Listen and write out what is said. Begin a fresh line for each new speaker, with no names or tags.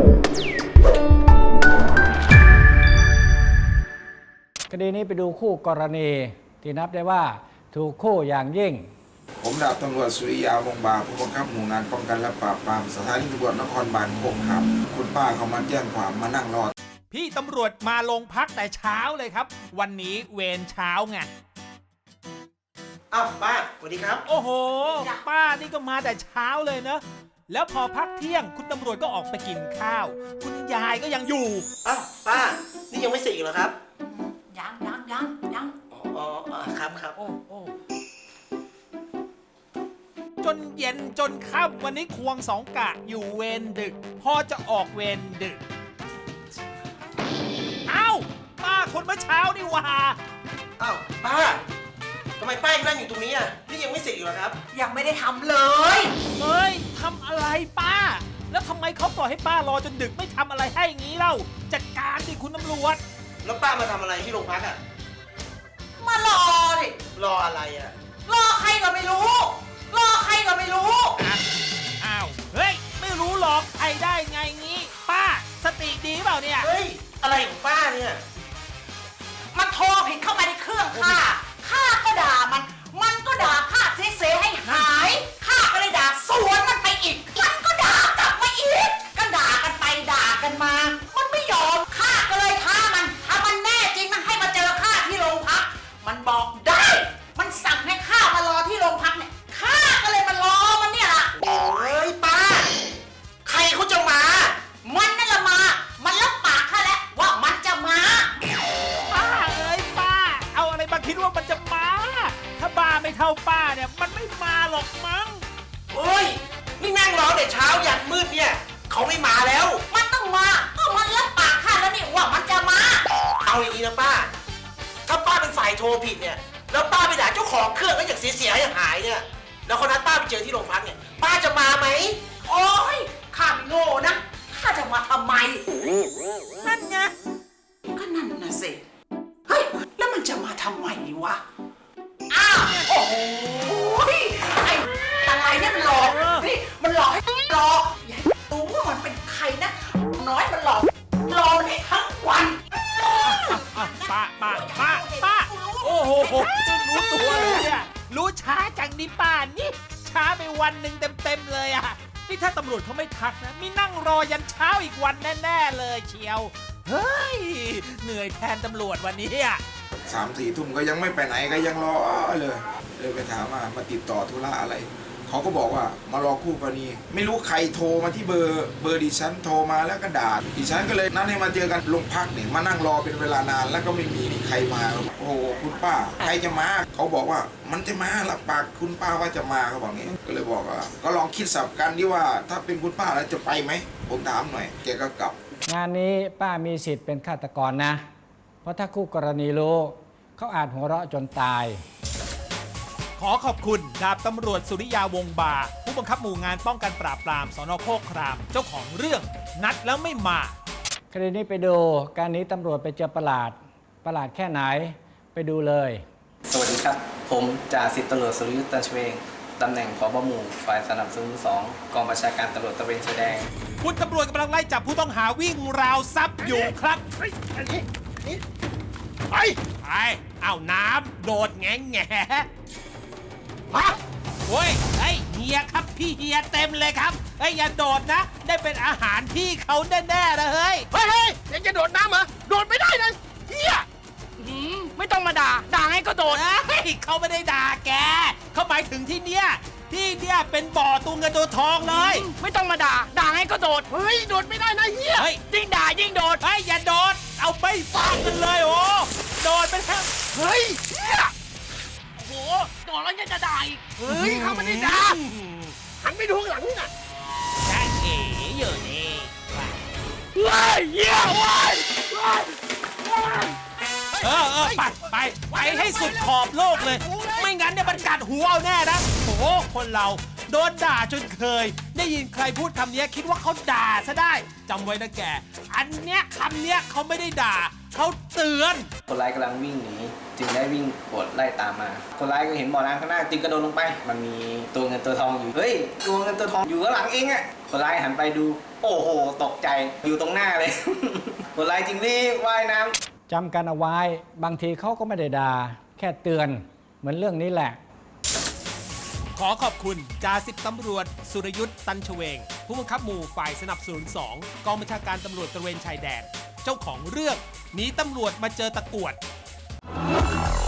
คดีนี้ไปดูคู่กรณีที่นับได้ว่าถูกคู่อย่างยิ่ง
ผมดาบตำรวจสุริยาวงศ์บาผู้บังคับหมู่งานป้องกันและปราบปรามสถานีตำรวจนครบาลโคกขามคุณป้าเขามาแจ้งความมานั่งรอ
พี่ตำรวจมาโรงพักแต่เช้าเลยครับวันนี้เวรเช้าไง
อ้าวป้าสวัสดีครับ
โอ้โหป้านี่ก็มาแต่เช้าเลยเนอะแล้วพอพักเที่ยงคุณตำรวจก็ออกไปกินข้าวคุณยายก็ยังอยู่
อ้าวป้านี่ยังไม่เสร็จอีกเหรอครับ
ยัง
อ๋อครับ
โอ้จนเย็นจนค่ำวันนี้ควงสองกะอยู่เวรดึกพอจะออกเวรดึกเอ้าป้าคนเมื่อเช้านี่หว่า
อ้าวป้าทำไมป้ายังนั่งอยู่ตรงนี้อ่ะนี่ยังไม่เสร็จอีกเหรอครับ
ยังไม่ได้ทำเลย
เฮ้ยทำอะไรป้าแล้วทำไมเขาปล่อยให้ป้ารอจนดึกไม่ทำอะไรให้งี้เล่าจัดการดิคุณตำรวจ
แล้วป้ามาทำอะไรที่โรงพักอ่ะ
มารอดิ
รออะไรอ่ะ
รอใครก็ไม่รู้
อ้าวเฮ้ยไม่รู้หรอกใครได้ไงงี้ป้าสติดีเปล่าเนี่ย
เฮ้ยอะไรของป้าเนี่ย
มันโทรผิดเข้าไปในเครื่องข้าก็ด่ามันก็ด่าข้าเสียให้หายข้าก็เลยด่าสวนมันไปอีกมันก็ด่ากลับมาอีกก็ด่ากันไปด่ากันมามันไม่ยอมข้าก็เลยท้ามันถ้ามันแน่จริงมันให้มาเจอข้าที่โรงพักมันบอกได้มันสั่งให้ข้ามารอที่โรงพักเนี่ยข้าก็เลยมารอมันเนี่ยล่ะ
โอ้ยป้าใครเขาจะมา
มันนั่นละมามันรับปากข้าแล้วว่ามันจะมา
ป้าเอ้ยป้าเอาอะไรมาคิดว่ามันจะมาถ้าบ้าไม่เท่าป้าเนี่ยมันไม่มาหรอกมั้ง
โอ้ยนี่นั่งรอแต่เช้ายันมืดเนี่ยเขาไม่มาแล้ว
มันต้องมาก็มันรับปากข้าแล้วนี่ว่ามันจะมา
เอาอย่างนี้นะป้าถ้าป้าเป็นฝ่ายโทรผิดเนี่ยแล้วป้าไปด่าเจ้าของเครื่องก็อย่างเสียอย่างหายเนี่ยแล้วคนนั้นป้าไปเจอที่โรงพักเนี่ยป้าจะมาไหม
โอ้ยข้าไม่โง่นะข้าจะมาทำไม
นั่นไง
ก็นั่นน่ะสิเฮ้ยแล้วมันจะมาทำไมวะอ้าวโอ้โหไอ้อะไรเนี่ยมันหลอกนี่มันหลอกให้หลอกอย่ารู้ว่ามันเป็นใครนะน้อยมันหลอกมันให้ทั้งวัน
ป้าโอ้โหรู้ตัวเลยเนี่ยรู้ช้าจังนี่ป้านี่ช้าไปวันหนึ่งเต็มเลยอ่ะนี่ถ้าตำรวจเขาไม่ทักนะมีนั่งรอยันเช้าอีกวันแน่ๆเลยเชียวเฮ้ยเหนื่อยแทนตำรวจวันนี้อ่ะ
3-4 ทุ่มก็ยังไม่ไปไหนก็ยังรอเลยไปถามว่ามาติดต่อธุระอะไรเขาก็บอกว่ามารอคู่กรณีไม่รู้ใครโทรมาที่เบอร์ดิฉันโทรมาแล้วก็ด่าดิฉันก็เลยนัดให้มาเจอกันโรงพักเนี่ยมานั่งรอเป็นเวลานานแล้วก็ไม่มีใครมาโอ้โหคุณป้าใครจะมาเขาบอกว่ามันจะมารับปากคุณป้าว่าจะมาเขาบอกงี้ก็เลยบอกว่าก็ลองคิดสับกันดิว่าถ้าเป็นคุณป้าแล้วจะไปไหมผมถามหน่อยแกก็กลับ
งานนี้ป้ามีสิทธิ์เป็นฆาตกรนะเพราะถ้าคู่กรณีรู้เขาอาจหัวเราะจนตาย
ขอขอบคุณดาบตำรวจสุริยาวงศ์บาผู้บังคับหมู่งานป้องกันปราบปรามสน.โคกครามเจ้าของเรื่องนัดแล้วไม่มา
คดีนี้ไปดูการนี้ตำรวจไปเจอประหลาดแค่ไหนไปดูเลย
สวัสดีครับผมจ่าสิบตำรวจสุรยุทธ์ ตันชเวงตำแหน่งผบ.หมู่ฝ่ายสนับสนุน2กองบัญชาการตำรวจตระเวนชายแดน
คุณตำรวจกำลังไล่จับผู้ต้องหาวิ่งราวทรัพย์อยู่ครับไปเอาน้ำโดดแง่มาโอ้ยเฮียครับพี่เฮียเต็มเลยครับอย่าโดดนะได้เป็นอาหารที่เขาแน่ๆนะเฮ้ย
ยังจะโดดน้ำเหรอโดดไม่ได้เลยเฮียไม่ต้องมาด่าไงก็โดด
เขาไม่ได้ด่าแกเขาหมายถึงที่เนี้ยเป็นบ่อตัวเงินตัวทองเลย
ไม่ต้องมาด่าไงก็โดดเฮ้ยโดดไม่ได้นะเฮียยิ่งด่ายิ่งโดด
อย่าโดดเอาไปฟาดกันเลยโอ้โดดไปแล้ว
เฮ้ยเฮียโอ้โหโดดแล้วยังจะด่าอีกเฮ้ยเขาไม่ได้ด่าหันไปดูข้างหลังน่ะ
แจ้งเอ๋อยู่นี่
เฮ้ยเฮีย
ไปให้สุดขอบโลกเลยไม่งั้นเนี่ยมันกัดหัวเอาแน่นะโอ้คนเราโดนด่าจนเคยได้ยินใครพูดคำนี้คิดว่าเขาด่าซะได้จำไว้นะแกอันเนี้ยคำเนี้ยเขาไม่ได้ด่าเขาเตือน
คนร้ายกำลังวิ่งหนีจึงได้วิ่งกดไล่ตามมาคนร้ายก็เห็นบ่อน้ำข้างหน้าจึงกระโดดลงไปมันมีตัวเงินตัวทองอยู่เฮ้ยตัวเงินตัวทองอยู่ข้างหลังเองอ่ะคนร้ายหันไปดู โอ้โหตกใจอยู่ตรงหน้าเลย คนร้ายจริงรีบว่ายน้ำ
จำกันเอาไว้บางทีเขาก็ไม่ได้ด่าแค่เตือนเหมือนเรื่องนี้แหละ
ขอขอบคุณจ่าสิบตำรวจสุรยุทธ์ตันชเวง ผู้บังคับหมู่ฝ่ายสนับสนุน2 กองบัญชาการตำรวจตระเวนชายแดน เจ้าของเรื่องหนีตำรวจมาเจอตะกรวด